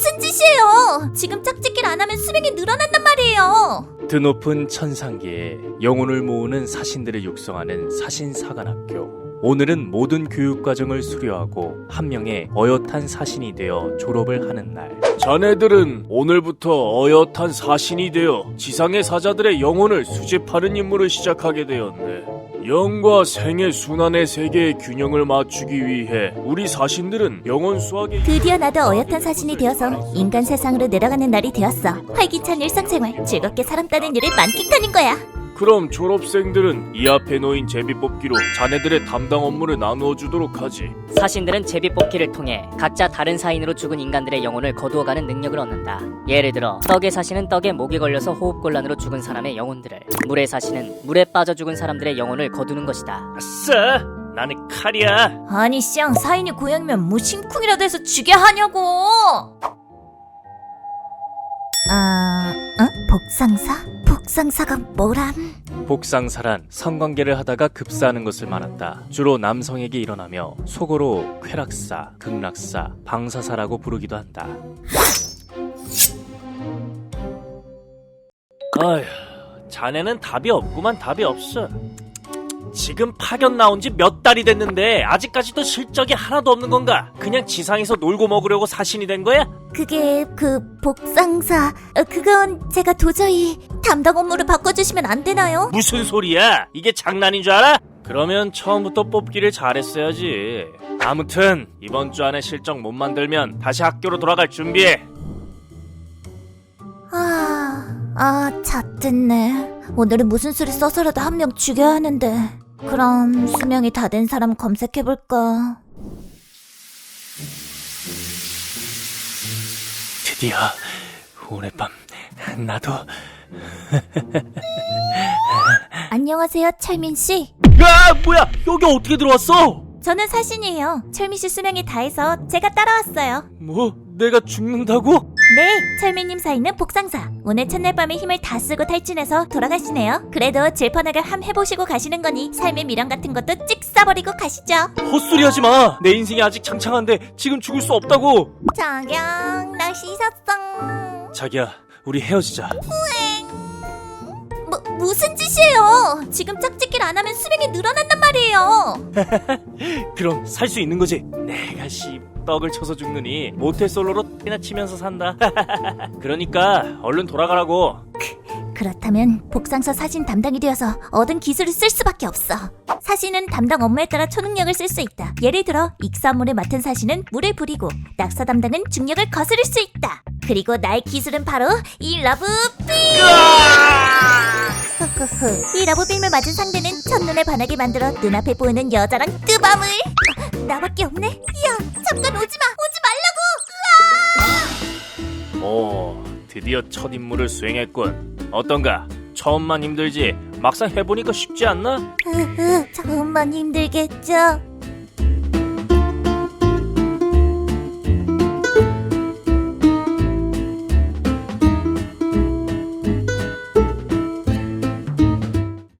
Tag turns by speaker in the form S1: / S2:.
S1: 무슨 짓이에요? 지금 짝짓기를 안 하면 수명이 늘어난단 말이에요.
S2: 드높은 천상계에 영혼을 모으는 사신들을 육성하는 사신사관학교. 오늘은 모든 교육과정을 수료하고 한 명의 어엿한 사신이 되어 졸업을 하는 날.
S3: 자네들은 오늘부터 어엿한 사신이 되어 지상의 사자들의 영혼을 수집하는 임무를 시작하게 되었네. 영과 생의 순환의 세계의 균형을 맞추기 위해 우리 사신들은 영혼 수학의
S1: 드디어 나도 어엿한 사신이 되어서 인간 세상으로 내려가는 날이 되었어. 활기찬 일상생활, 즐겁게 사람 따는 일을 만끽하는 거야.
S3: 그럼 졸업생들은 이 앞에 놓인 제비뽑기로 자네들의 담당 업무를 나누어 주도록 하지.
S4: 사신들은 제비뽑기를 통해 각자 다른 사인으로 죽은 인간들의 영혼을 거두어가는 능력을 얻는다. 예를 들어 떡의 사신은 떡에 목이 걸려서 호흡곤란으로 죽은 사람의 영혼들을, 물의 사신은 물에 빠져 죽은 사람들의 영혼을 거두는 것이다.
S3: 아싸! 나는 칼이야.
S1: 아니 쌍, 사인이 고양이면 뭐 심쿵이라도 해서 죽여 하냐고. 복상사? 복상사가 뭐람?
S2: 복상사란 성관계를 하다가 급사하는 것을 말한다. 주로 남성에게 일어나며 속어로 쾌락사, 극락사, 방사사라고 부르기도 한다.
S3: 아휴, 자네는 답이 없구만. 답이 없어. 지금 파견 나온 지 몇 달이 됐는데 아직까지도 실적이 하나도 없는 건가? 그냥 지상에서 놀고 먹으려고 사신이 된 거야?
S1: 그게 복상사, 그건 제가 도저히 담당 업무를 바꿔주시면 안 되나요?
S3: 무슨 소리야? 이게 장난인 줄 알아? 그러면 처음부터 뽑기를 잘했어야지. 아무튼 이번 주 안에 실적 못 만들면 다시 학교로 돌아갈 준비해.
S1: 잣됐네. 오늘은 무슨 수를 써서라도 한 명 죽여야 하는데. 그럼 수명이 다 된 사람 검색해볼까?
S2: 드디어 오늘 밤 나도.
S1: 안녕하세요, 철민씨.
S3: 야, 뭐야? 여기 어떻게 들어왔어?
S1: 저는 사신이에요. 철민씨 수명이 다해서 제가 따라왔어요.
S3: 뭐? 내가 죽는다고?
S1: 네, 철민님 사이는 복상사. 오늘 첫날 밤에 힘을 다 쓰고 탈진해서 돌아가시네요. 그래도 질펀하게 함 해보시고 가시는 거니 삶의 미련 같은 것도 찍 싸버리고 가시죠.
S3: 헛소리 하지 마. 내 인생이 아직 창창한데 지금 죽을 수 없다고.
S1: 자경, 나 씻었어.
S2: 자기야, 우리 헤어지자.
S1: 무슨 짓이에요? 지금 짝짓기를 안 하면 수명이 늘어난단 말이에요.
S3: 그럼 살 수 있는 거지. 내가 떡을 쳐서 죽느니 모태솔로로 X나 치면서 산다. 그러니까 얼른 돌아가라고.
S1: 그렇다면 복상사 사신 담당이 되어서 얻은 기술을 쓸 수밖에 없어. 사신은 담당 업무에 따라 초능력을 쓸 수 있다. 예를 들어 익사물을 맡은 사신은 물을 부리고, 낙사 담당은 중력을 거스를 수 있다. 그리고 나의 기술은 바로 이 러브빔! 이 러브빔을 맞은 상대는 첫눈에 반하게 만들어 눈앞에 보이는 여자랑 뜨밤을. 나밖에 없네. 야, 잠깐 오지마
S3: 오, 드디어 첫 임무를 수행했군. 어떤가? 처음만 힘들지 막상 해보니까 쉽지 않나?
S1: 처음만 힘들겠죠.